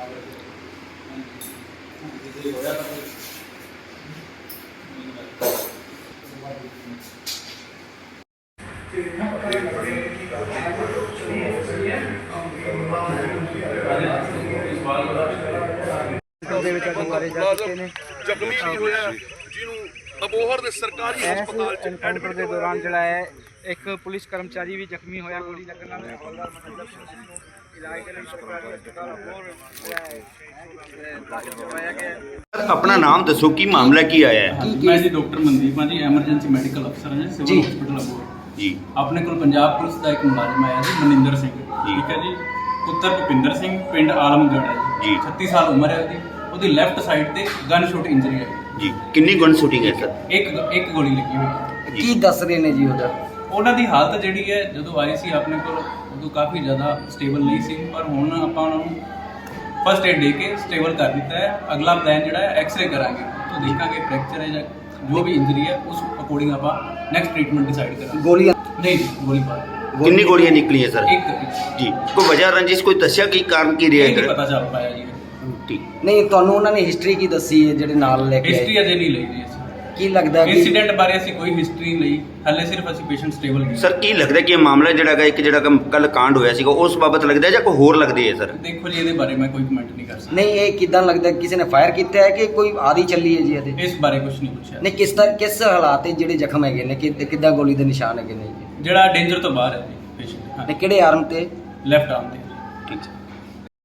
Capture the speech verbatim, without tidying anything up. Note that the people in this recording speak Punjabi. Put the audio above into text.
ਜ਼ਖਮੀ ਵੀ ਹੋਇਆ ਜਿਹਨੂੰ ਅਬੋਹਰ ਦੇ ਸਰਕਾਰੀ ਹਸਪਤਾਲ ਚ ਐਨਕਾਊਂਟਰ ਦੇ ਦੌਰਾਨ ਜਿਹੜਾ ਹੈ ਇੱਕ ਪੁਲਿਸ ਕਰਮਚਾਰੀ ਵੀ ਜ਼ਖਮੀ ਹੋਇਆ ਗੋਲੀ ਲੱਗਣ ਨਾਲ। ਇਲਾਜ ਦੇ ਲਈ ਸਰਕਾਰੀ ਹਸਪਤਾਲ ਅਬੋਹਰ ਕਰਵਾਇਆ ਗਿਆ। अपना नाम दसो की मामला की आया है? मैं जी डॉक्टर मनदीप हाँ जी, एमरजेंसी मैडिकल अफसर हैं सिविल हॉस्पिटल अबोहर जी। अपने को पंजाब पुलिस का एक मुलाजिम आया जी मनिंदर सिंह, ठीक है जी, पुत्र भुपिंदर सिंह, पिंड आलमगढ़ है जी, छत्तीस साल उम्र है उसकी। ਉਹਦੀ ਲੈਫਟ ਸਾਈਡ ਤੇ ਗਨ ਸ਼ੂਟ ਇੰਜਰੀ ਹੈ ਜੀ। ਕਿੰਨੀ ਗਨ ਸ਼ੂਟਿੰਗ ਹੈ ਸਰ? ਇੱਕ ਇੱਕ ਗੋਲੀ ਲੱਗੀ ਹੋਈ। ਕੀ ਦੱਸ ਰਹੇ ਨੇ ਜੀ ਉਹਦਾ? ਉਹਨਾਂ ਦੀ ਹਾਲਤ ਜਿਹੜੀ ਹੈ ਜਦੋਂ ਆਈ ਸੀ ਆਪਣੇ ਕੋਲ ਉਦੋਂ ਕਾਫੀ ਜ਼ਿਆਦਾ ਸਟੇਬਲ ਨਹੀਂ ਸੀ, ਪਰ ਹੁਣ ਆਪਾਂ ਉਹਨਾਂ ਨੂੰ ਫਸਟ ਏਡ ਦੇ ਕੇ ਸਟੇਬਲ ਕਰ ਦਿੱਤਾ ਹੈ। ਅਗਲਾ ਪਲਾਨ ਜਿਹੜਾ ਹੈ ਐਕਸ-ਰੇ ਕਰਾਂਗੇ, ਤਾਂ ਦੇਖਾਂਗੇ ਫ੍ਰੈਕਚਰ ਹੈ ਜਾਂ ਜੋ ਵੀ ਇੰਜਰੀ ਹੈ ਉਸ ਅਕੋਰਡਿੰਗ ਆਪਾਂ ਨੈਕਸਟ ਟ੍ਰੀਟਮੈਂਟ ਡਿਸਾਈਡ ਕਰਾਂਗੇ। ਗੋਲੀਆਂ ਨਹੀਂ ਗੋਲੀ ਬਾਰ ਕਿੰਨੀ ਗੋਲੀਆਂ ਨਿਕਲੀਆਂ ਸਰ? ਇੱਕ ਜੀ। ਕੋਈ ਵਜ੍ਹਾ ਰੰਜਿਸ਼ ਕੋਈ ਦੱਸਿਆ ਕੀ ਕਾਰਨ ਕੀ ਰਿਹਾ? ਨਹੀਂ ਪਤਾ ਚੱਲ ਪਾਇਆ ਜੀ। ਠੀਕ। ਨਹੀਂ, ਤੁਹਾਨੂੰ ਉਹਨਾਂ ਨੇ ਹਿਸਟਰੀ ਕੀ ਦੱਸੀ ਹੈ ਜਿਹੜੇ ਨਾਲ ਲੈ ਕੇ ਹਿਸਟਰੀ ਆਏ? ਅਜੇ ਨਹੀਂ ਲਈ ਜੀ ਅਸੀਂ। ਕੀ ਲੱਗਦਾ ਕਿ ਇੰਸੀਡੈਂਟ ਬਾਰੇ ਅਸੀਂ ਕੋਈ ਹਿਸਟਰੀ ਨਹੀਂ ਲਈ, ਹਾਲੇ ਸਿਰਫ ਅਸੀਂ ਪੇਸ਼ੈਂਟ ਸਟੇਬਲ ਕੀਤਾ। ਸਰ ਕੀ ਲੱਗਦਾ ਕਿ ਇਹ ਮਾਮਲਾ ਜਿਹੜਾ ਹੈਗਾ ਇੱਕ ਜਿਹੜਾ ਕੱਲ ਕਾਂਡ ਹੋਇਆ ਸੀਗਾ ਉਸ ਬਾਬਤ ਲੱਗਦਾ ਜਾਂ ਕੋਈ ਹੋਰ ਲੱਗਦੀ ਹੈ ਸਰ? ਦੇਖੋ ਜੀ ਇਹਦੇ ਬਾਰੇ ਮੈਂ ਕੋਈ ਕਮੈਂਟ ਨਹੀਂ ਕਰ ਸਕਦਾ। ਨਹੀਂ, ਇਹ ਕਿਦਾਂ ਲੱਗਦਾ ਕਿਸੇ ਨੇ ਫਾਇਰ ਕੀਤਾ ਹੈ ਕਿ ਕੋਈ ਆਦੀ ਚੱਲੀ ਹੈ ਜੀ ਇਹਦੇ? ਇਸ ਬਾਰੇ ਕੁਝ ਨਹੀਂ ਪੁੱਛਿਆ। ਨਹੀਂ, ਕਿਸ ਤਰ੍ਹਾਂ ਕਿਸ ਹਾਲਾਤ ਹੈ ਜਿਹੜੇ ਜ਼ਖਮ ਹੈਗੇ ਨੇ, ਕਿ ਕਿੱਦਾਂ ਗੋਲੀ ਦੇ ਨਿਸ਼ਾਨ ਹੈਗੇ ਨੇ ਜੀ? ਜਿਹੜਾ ਡੇਂਜਰ ਤੋਂ ਬਾਹਰ ਹੈ ਜੀ ਪੇਸ਼ੈਂਟ, ਤੇ ਕਿਹੜੇ ਆਰਮ ਤੇ? ਲੈਫਟ ਆਰਮ ਤੇ। ਠੀਕ।